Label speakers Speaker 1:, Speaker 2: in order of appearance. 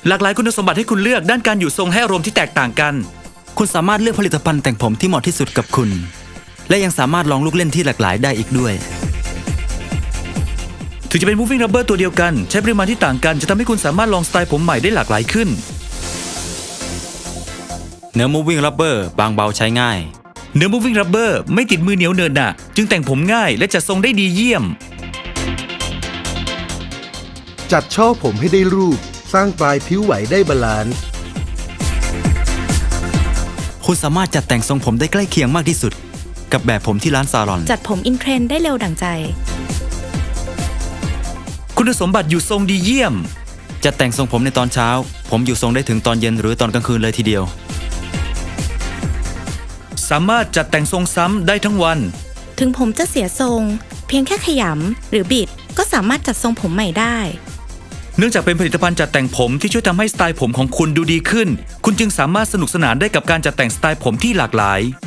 Speaker 1: หลากหลายคุณสมบัติให้คุณเลือกด้านการอยู่ทรงให้อารมณ์ที่แตกต่างกัน
Speaker 2: คุณสามารถเลือกผลิตภัณฑ์แต่งผมที่เหมาะที่สุดกับคุณและยังสามารถลองลูกเล่นที่หลากหลายได้อีกด้วย
Speaker 1: ถึงจะเป็น moving rubber ตัวเดียวกันใช้ปริมาณที่ต่างกันจะทำให้คุณสามารถลองสไตล์ผมใหม่ได้หลากหลายขึ้น
Speaker 2: เนื้อ moving rubber บางเบาใช้ง่าย
Speaker 1: เนื้อ moving rubber ไม่ติดมือเหนียวเนินหนะจึงแต่งผมง่ายและจัดทรงได้ดีเยี่ยม
Speaker 3: จัดช่อผมให้ได้รูปสร้างปลายผิวไหวได้บาลานซ์
Speaker 2: คุณสามารถจัดแต่งทรงผมได้ใกล้เคียงมากที่สุดกับแบบผมที่ร้านซาลอน
Speaker 4: จัดผมอินเทรนด์ได้เร็วดั่งใจ
Speaker 1: คุณสมบัติอยู่ทรงดีเยี่ยม
Speaker 2: จัดแต่งทรงผมในตอนเช้าผมอยู่ทรงได้ถึงตอนเย็นหรือตอนกลางคืนเลยทีเดียว
Speaker 1: สามารถจัดแต่งทรงซ้ำได้ทั้งวัน
Speaker 4: ถึงผมจะเสียทรงเพียงแค่ขยำหรือบิดก็สามารถจัดทรงผมใหม่ได้
Speaker 1: เนื่องจากเป็นผลิตภัณฑ์จัดแต่งผมที่ช่วยทำให้สไตล์ผมของคุณดูดีขึ้นคุณจึงสามารถสนุกสนานได้กับการจัดแต่งสไตล์ผมที่หลากหลาย